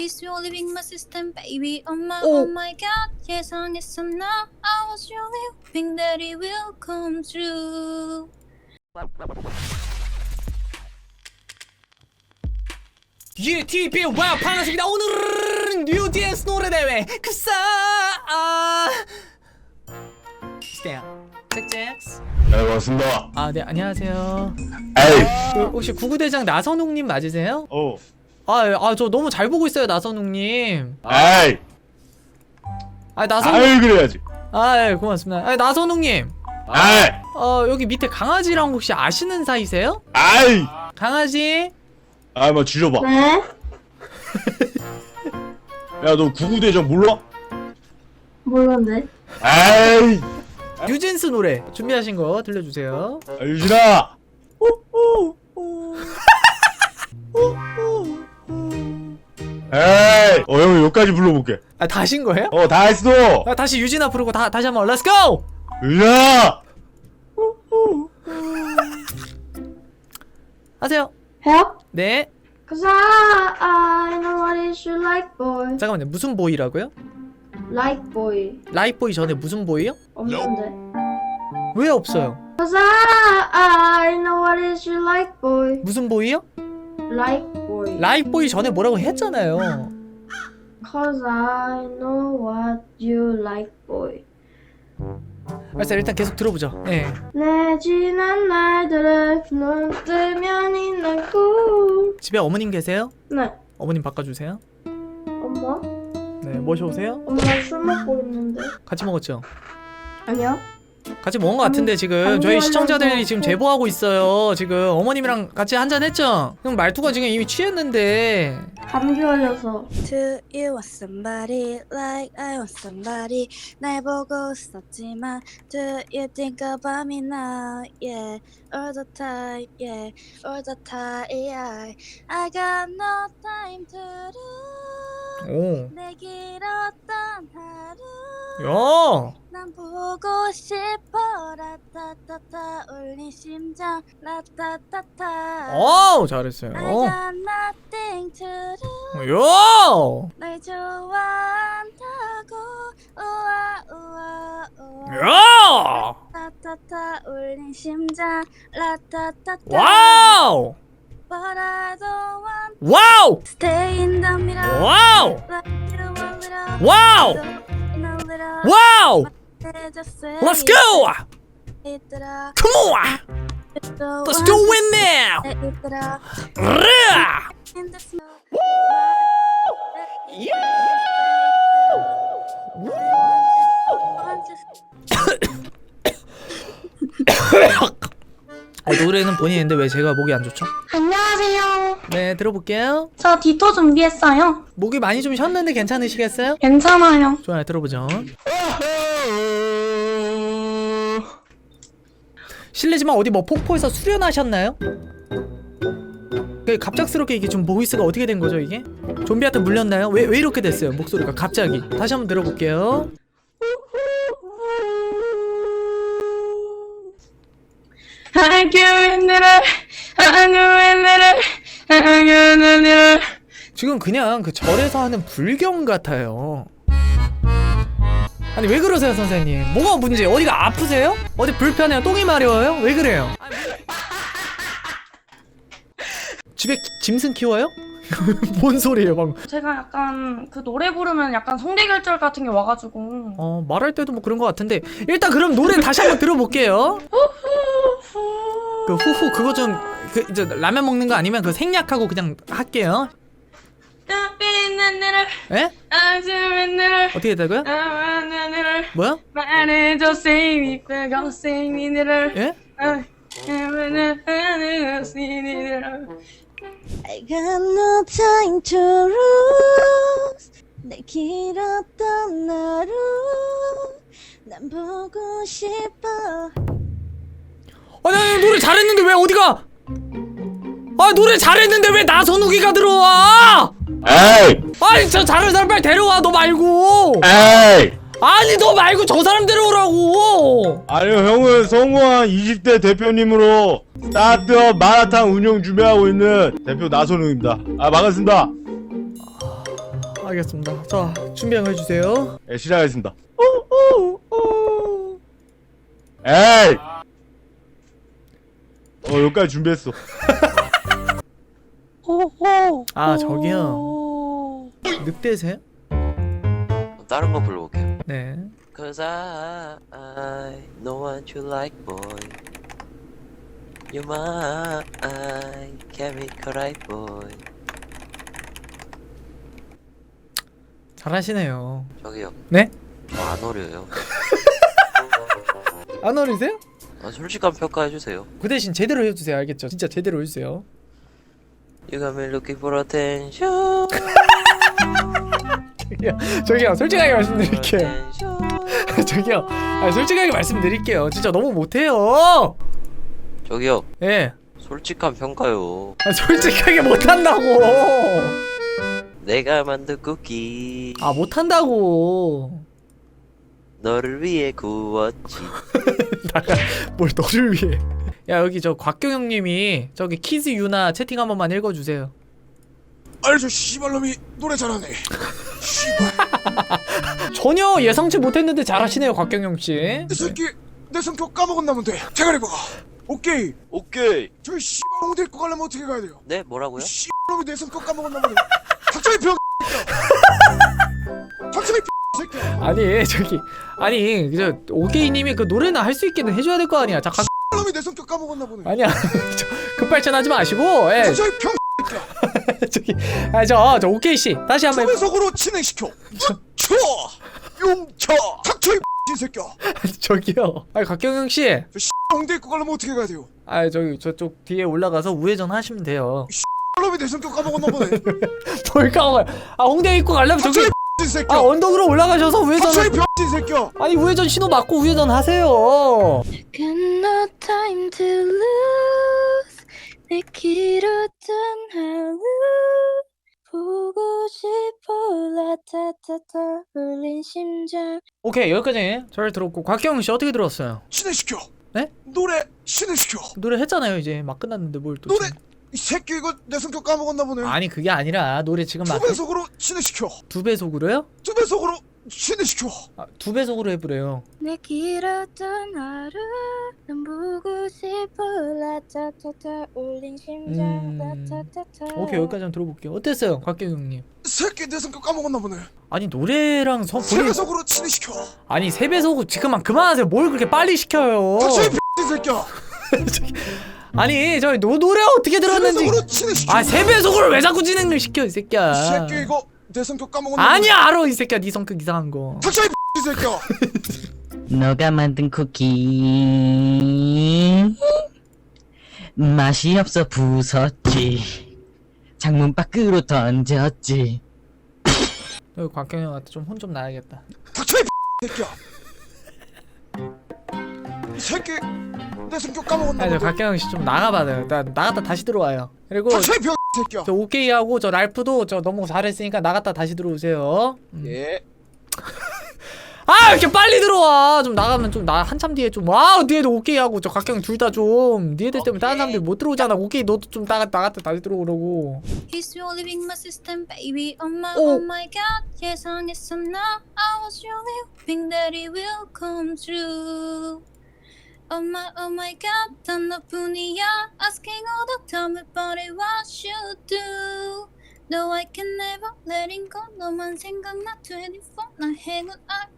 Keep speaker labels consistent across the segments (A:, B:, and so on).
A: Is you living my system, baby? Oh my God. 예상했어 나. I was really hoping that it will come true.
B: GTP 와 반갑습니다. 오늘은 뉴진스 노래대회 급사 잭잭스.
C: 네, 반갑습니다.
B: 아, 네, 안녕하세요.
C: 에이.
B: 혹시 구구대장 나선웅님 맞으세요?
C: 어.
B: 저 너무 잘 보고 있어요, 나선웅님.
C: 에이.
B: 나선웅.
C: 아이 그래야지.
B: 예, 고맙습니다. 나선웅님.
C: 에이.
B: 여기 밑에 강아지랑 혹시 아시는 사이세요?
C: 아이.
B: 강아지?
C: 뭐 줄여봐.
D: 네?
C: 야, 너 구구대장 몰라?
D: 몰랐네.
C: 에이.
B: 뉴진스 노래 준비하신 거 들려주세요.
C: 유진아. 에이. 형 여기까지 불러볼게.
B: 다 하신 거예요?
C: 다 했어.
B: 다시 유진아 부르고 다시 한번 렛츠 고!
C: 유진아.
B: 하세요.
D: 해요?
B: 네.
D: Cause I know what is you like boy.
B: 잠깐만요. 무슨 보이라고요?
D: Like boy.
B: 라이보이 전에 무슨 보이요?
D: 없는데.
B: 왜 없어요?
D: Cause I know what is you like boy.
B: 무슨 보이요?
D: Like boy.
B: 라이보이 전에 뭐라고 했잖아요.
D: Cause I know what you like boy.
B: 알았어요. 일단 계속 들어보죠. 네.
D: 내 지난 날들을 눈 뜨면 있는 꿈.
B: 집에 어머님 계세요?
D: 네.
B: 어머님 바꿔주세요.
D: 엄마?
B: 네. 모셔오세요.
D: 엄마 술 먹고 있는데.
B: 같이 먹었죠?
D: 아니요.
B: 같이 먹은 것 같은데 지금 저희 시청자들이 지금 제보하고 있어요. 지금 어머님이랑 같이 한잔 했죠? 그럼 말투가 지금 이미 취했는데.
D: 감기 걸려서.
A: Do you want somebody like I want somebody? 날 보고 있었지만 Do you think about me now? Yeah, all the time, yeah, all the time, yeah. I got no time to lose.
B: 오.
A: 내 길었던 하루
B: 야.
A: 난 보고 싶어 라타타타 울린 심장 라타타타
B: 오, 잘했어요.
A: I got nothing to lose
B: 야.
A: 널 좋아한다고 우와 우와 우와
B: 야.
A: 라타타타 울린 심장 라타타타
B: 와우.
A: But I don't want
B: 와우.
A: to stay in the middle
B: 와우.
A: like you a little
B: 와우.
A: a little
B: 와우.
A: Just
B: Let's go.
A: 얘들아
B: Come on. Let's do it now.
A: 얘들아
B: 으아.
A: in the snow
B: 노래는 본인이 했는데 왜 제가 목이 안 좋죠?
D: 안녕하세요.
B: 네, 들어볼게요.
D: 저 디토 준비했어요.
B: 목이 많이 좀 쉬었는데 괜찮으시겠어요?
D: 괜찮아요.
B: 좋아요, 들어보죠. 실례지만 어디 뭐 폭포에서 수련하셨나요? 갑작스럽게 이게 좀 보이스가 어떻게 된 거죠, 이게? 좀비한테 물렸나요? 왜 이렇게 됐어요, 목소리가 갑자기? 다시 한번 들어볼게요. 지금 그냥 그 절에서 하는 불경 같아요. 아니 왜 그러세요 선생님? 뭐가 문제? 어디가 아프세요? 어디 불편해요? 똥이 마려워요? 왜 그래요? 집에 짐승 키워요? 뭔 소리예요 방금?
D: 제가 약간 그 노래 부르면 약간 성대결절 같은 게 와가지고.
B: 말할 때도 뭐 그런 것 같은데 일단 그럼 노래 다시 한번 들어볼게요. 그 후후 그거 좀 그 이제 라면 먹는 거 아니면 그 생략하고 그냥 할게요. 에? 어떻게 했다고요? 뭐야?
D: 말해줘 say me, go say me,
B: 예?
A: I got no time to lose 내 길었던 하루 난 보고 싶어
B: 아니 노래 잘했는데 왜 어디가? 노래 잘했는데 왜 나선욱이가 들어와?
C: 에이.
B: 아니 저 잘하는 사람 빨리 데려와 너 말고.
C: 에이.
B: 아니 너 말고 저 사람 데려오라고.
C: 아니요, 형은 성공한 20대 대표님으로 스타트업 마라탕 운영 준비하고 있는 대표 나선웅입니다. 반갑습니다.
B: 알겠습니다. 자, 준비 한번 해주세요.
C: 예, 시작하겠습니다. 에이! 여기까지 준비했어.
B: 아, 저기요. 늑대세요?
E: 다른 거 불러볼게요.
B: 네.
E: Cause I know what you like, boy. You're my chemical right, boy.
B: 잘하시네요.
E: 저기요.
B: 네?
E: 저 안 어려요.
B: 안 어리세요?
E: 솔직한 평가해주세요.
B: 그 대신 제대로 해주세요. 알겠죠? 진짜 제대로 해주세요.
E: You got me looking for attention.
B: 저기요, 솔직하게 말씀드릴게요.
E: attention.
B: 저기요, 솔직하게 말씀드릴게요. 진짜 너무 못해요.
E: 저기요.
B: 예.
E: 솔직한 평가요.
B: 솔직하게 못한다고.
E: 내가 만든 쿠키
B: 아, 못한다고.
E: 너를 위해 구웠지.
B: 나가 뭘 너를 위해. 야, 여기 저 곽경영님이 저기 키즈 유나 채팅 한 번만 읽어주세요.
F: 아니 저 씨발놈이 노래 잘하네. 씨발.
B: 전혀 예상치 못했는데 잘하시네요, 곽경영씨.
F: 이 새끼 내 성격 까먹었나 본데. 대가리 봐. 오케이.
E: 오케이.
F: 저 씨발 홍 데리고 가려면 어떻게 가야 돼요?
E: 네, 뭐라고요?
F: 씨발놈이 내 성격 까먹었나 보네. 닥쳐 이 병. 닥쳐 이 새끼야.
B: 아니, 저기 아니 저 오게이님이 그 노래나 할 수 있게는 해줘야 될 거 아니야. 자,
F: 놈이 내 성격 까먹었나 보네.
B: 아니야. 저 급발전하지 마시고. 예.
F: 닥쳐 이 병. 새끼야.
B: 저기 저 오케이 씨 다시 한번.
F: 초배속으로 진행시켜. 쳐. 용쳐. 닥쳐 이 새끼야.
B: 저기요. 아니, 곽경영 씨.
F: 저 홍 데리고 가려면 어떻게 가야 돼요?
B: 아, 저기 저쪽 뒤에 올라가서 우회전 하시면 돼요.
F: 놈이 내 성격 까먹었나 보네.
B: 뭘 까먹어요? 아, 홍대 입구 가려면 저기
F: 닥쳐 이 새끼야.
B: 아, 언덕으로 올라가셔서 우회전.
F: 닥쳐 이 병. 새끼야.
B: 아니, 우회전 신호 맞고 우회전 하세요.
A: Got no time to lose 내 길었던 하루 보고 싶어 라타타타 울린 심장.
B: 오케이, 여기까지 잘 들었고 곽경영 씨 어떻게 들었어요?
F: 진행시켜.
B: 네?
F: 노래 진행시켜.
B: 노래 했잖아요. 이제 막 끝났는데 뭘 또.
F: 노래 이 새끼 이거 내 성격 까먹었나 보네.
B: 아니, 그게 아니라 노래 지금 막
F: 두 배속으로 진행시켜.
B: 두 배속으로요?
F: 두 배속으로 진행시켜.
B: 아, 두 배속으로 해보래요.
A: 내 길었던 하루 넌 보고 싶어 라타타타 울린 심장 라타타타.
B: 오케이, 여기까지 한번 들어볼게요. 어땠어요, 곽경영님?
F: 이 새끼 내 성격 까먹었나 보네.
B: 아니, 노래랑
F: 세
B: 본인
F: 배속으로 진행시켜.
B: 아니, 세 배속 지금만 그만하세요. 뭘 그렇게 빨리 시켜요?
F: 닥쳐 이 새끼야.
B: 아니, 저 노래 어떻게
F: 세
B: 들었는지.
F: 배속으로 진행시켜.
B: 아, 세 배속으로 왜 자꾸 진행을 시켜, 이 새끼야.
F: 이 새끼 이거 내 성격 까먹었나
B: 아니야, 알아, 이 새끼야. 네 성격 이상한 거.
F: 닥쳐 이 새끼야.
G: 너가 만든 쿠키 맛이 없어 부쉈지 창문 밖으로 던졌지.
B: 여기 곽경영한테 좀 혼 좀 나야겠다.
F: 닥쳐 이 새끼야. 이 새끼 내 성격 까먹었나
B: 아니, 저
F: 보네.
B: 곽경영 씨 좀 나가봐요. 나갔다 다시 들어와요. 그리고
F: 닥쳐 이 새끼야.
B: 저 오케이하고 저 랄프도 저 너무 잘했으니까 나갔다 다시 들어오세요.
F: 예.
B: 아, 이렇게 빨리 들어와. 좀 나가면 좀 나 한참 뒤에 좀 와. 니네도 오케이하고 저 각경 둘 다 좀 니네들 때문에 다른 사람들 못 들어오잖아. 오케이, 너도 좀 나갔다 다시 들어오라고.
A: He's your living my system, baby. Oh
B: 오.
A: my God. 예상했어 나. I was really hoping that it will come true. Oh my God. 단 너뿐이야. Asking all the time about it, what you do. No, I can never letting go. 너만 생각나 24. 나 행운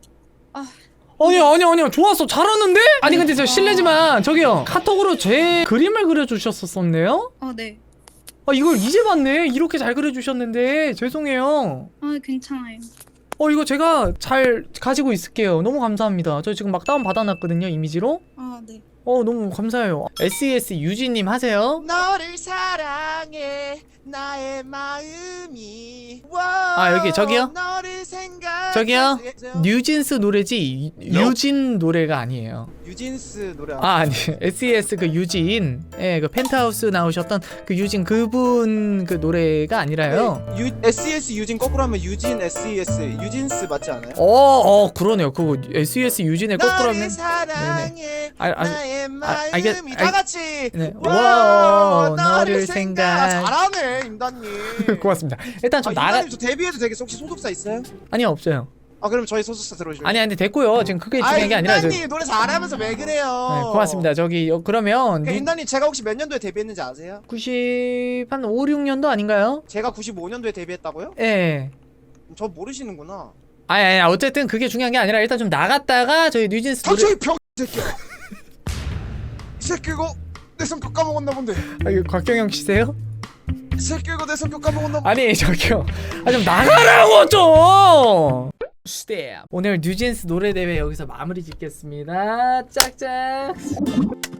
B: 아니야 좋았어. 잘하는데? 아니, 근데 저 실례지만 저기요, 카톡으로 제 그림을 그려주셨었었네요?
A: 네.
B: 아, 이걸 이제 봤네. 이렇게 잘 그려주셨는데 죄송해요.
A: 괜찮아요.
B: 이거 제가 잘 가지고 있을게요. 너무 감사합니다. 저 지금 막 다운 받아놨거든요, 이미지로.
A: 네.
B: 너무 감사해요. SES 유진님 하세요.
F: 너를 사랑해 나의 마음이
B: 여기 저기요?
F: 너를 생각
B: 저기요 뉴진스 노래지 유진 노래가 아니에요.
F: 유진스 노래
B: 아니 SES 그 유진 그 펜트하우스 나오셨던 그 유진 그분 그 노래가 아니라요.
F: SES 유진 거꾸로 하면 유진 SES 유진스 맞지 않아요?
B: 그러네요. 그거 SES 유진의 거꾸로 하면
F: 나를 사랑해 나의 마음이
B: 다
F: 같이
B: 네.
F: 와,
B: 와 너를 생각
F: 잘하네 임단님.
B: 고맙습니다. 일단 좀 나가
F: 임단님 저 데뷔해도 되겠어? 혹시 소속사 있어요?
B: 아니요 없어요.
F: 아 그럼 저희 소속사 들어오실래요?
B: 아니 됐고요. 지금 그게 중요한 게 아니라
F: 임단님 노래 잘하면서 왜 그래요?
B: 네, 고맙습니다. 저기 그러면
F: 임단님 제가 혹시 몇 년도에 데뷔했는지 아세요?
B: 90 한 5, 6년도 아닌가요?
F: 제가 95년도에 데뷔했다고요?
B: 예.
F: 저 모르시는구나.
B: 아니 어쨌든 그게 중요한 게 아니라 일단 좀 나갔다가 저희 뉴진스 노래
F: 갑자기 병 새끼야. 이 새끼 이거 내 성격 까먹었나 본데.
B: 이거 곽경영 씨세요?
F: 이 새끼 이거 내 성격 까먹었나 본데.
B: 아니 저기요 좀 나가라고 좀 스텝. 오늘 뉴진스 노래 대회 여기서 마무리 짓겠습니다. 짝짝.